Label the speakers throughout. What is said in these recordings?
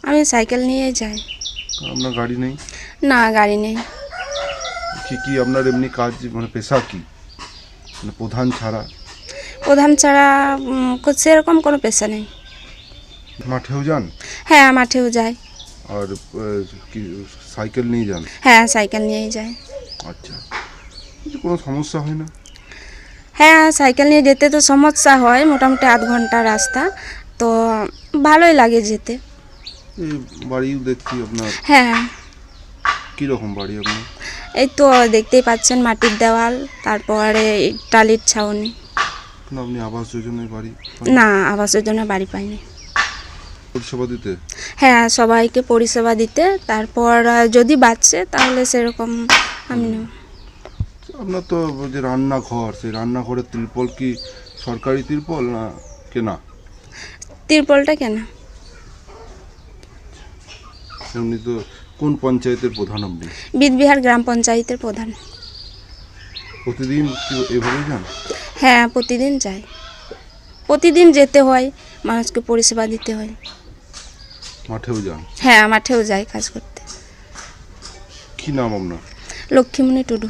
Speaker 1: আমি সাইকেল নিয়েই যাই।
Speaker 2: আপনার গাড়ি নেই?
Speaker 1: না, গাড়ি নেই।
Speaker 2: কি কি আপনার এমনি কাজ, মানে পেশা কি, মানে প্রধান ছাড়া?
Speaker 1: প্রধান ছাড়া সেরকম কোনো পেশা নেই।
Speaker 2: মাঠেও যান?
Speaker 1: হ্যাঁ, মাঠেও যাই।
Speaker 2: আর কি সাইকেল নিয়ে যান?
Speaker 1: হ্যাঁ, সাইকেল নিয়েই যাই।
Speaker 2: আচ্ছা, কোনো সমস্যা হয় না?
Speaker 1: হ্যাঁ, সাইকেল নিয়ে যেতে তো সমস্যা হয়, মোটামুটি আধ ঘন্টা রাস্তা, তো ভালোই লাগে যেতে।
Speaker 2: এই বাড়িও দেখছি আপনার।
Speaker 1: হ্যাঁ,
Speaker 2: কীরকম বাড়ি আপনার?
Speaker 1: এই তো দেখতেই পাচ্ছেন, মাটির দেওয়াল, তারপরে টালির ছাউনি।
Speaker 2: না, আপনি আবাস যোজনায় বাড়ি?
Speaker 1: না, আবাস যোজনা বাড়ি পাইনি।
Speaker 2: পরিষেবা দিতে?
Speaker 1: হ্যাঁ, সবাইকে পরিষেবা দিতে, তারপর যদি বাঁচে তাহলে সেরকম আমি নেব।
Speaker 2: আপনার তো যে রান্নাঘর, সেই রান্নাঘরের ত্রিপল কি সরকারি ত্রিপল না কেনা?
Speaker 1: তিরপলটা কেনা।
Speaker 2: এমনি তো কোন পঞ্চায়েতের প্রধান আপনি?
Speaker 1: বিদবিহার গ্রাম পঞ্চায়েতের প্রধান।
Speaker 2: প্রতিদিন কি এভাবেই যান?
Speaker 1: হ্যাঁ, প্রতিদিন যাই, প্রতিদিন যেতে হয়, মানুষকে পরিষেবা দিতে হয়।
Speaker 2: মাঠেও যান?
Speaker 1: হ্যাঁ, মাঠেও যাই কাজ করতে।
Speaker 2: কি নাম আপনার?
Speaker 1: লক্ষ্মীমণি টুডু।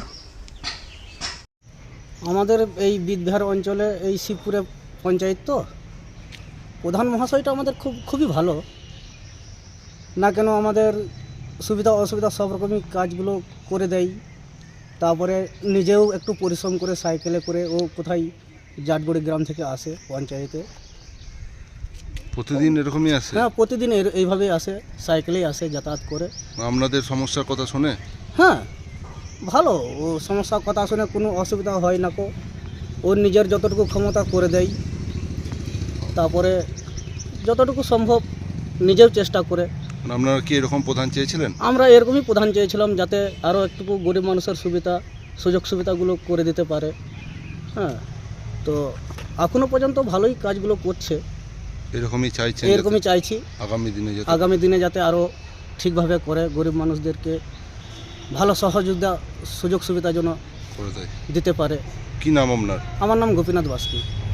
Speaker 3: আমাদের এই বিদবিহার অঞ্চলে এই শিবপুরে পঞ্চায়েত, তো প্রধান মহাশয়টা আমাদের খুবই ভালো, না কেন আমাদের সুবিধা অসুবিধা সব রকমই কাজগুলো করে দেয়। তারপরে নিজেও একটু পরিশ্রম করে সাইকেলে করে ও কোথায় জাটগুড়ি গ্রাম থেকে আসে পঞ্চায়েতে।
Speaker 2: প্রতিদিন এরকমই আসে?
Speaker 3: হ্যাঁ, প্রতিদিন এইভাবেই আসে, সাইকেলেই আসে, যাতায়াত করে।
Speaker 2: আপনাদের সমস্যার কথা শোনে?
Speaker 3: হ্যাঁ, ভালো, ও সমস্যার কথা শুনে কোনো অসুবিধা হয় না, ওর নিজের যতটুকু ক্ষমতা করে দেয়, তারপরে যতটুকু সম্ভব নিজেও চেষ্টা করে।
Speaker 2: আপনারা কি এরকম প্রধান চেয়েছিলেন?
Speaker 3: আমরা এরকমই প্রধান চেয়েছিলাম, যাতে আরও একটু গরিব মানুষের সুযোগ সুবিধাগুলো করে দিতে পারে। হ্যাঁ, তো এখনও পর্যন্ত ভালোই কাজগুলো করছে।
Speaker 2: এরকমই চাইছেন?
Speaker 3: এরকমই চাইছি আগামী দিনে যাতে আরও ঠিকভাবে করে, গরিব মানুষদেরকে ভালো সহযোগিতা সুযোগ সুবিধা যেন
Speaker 2: করে দেয়।
Speaker 3: দিতে পারে।
Speaker 2: কি নাম আপনার?
Speaker 3: আমার নাম গোপীনাথ বাস্কি।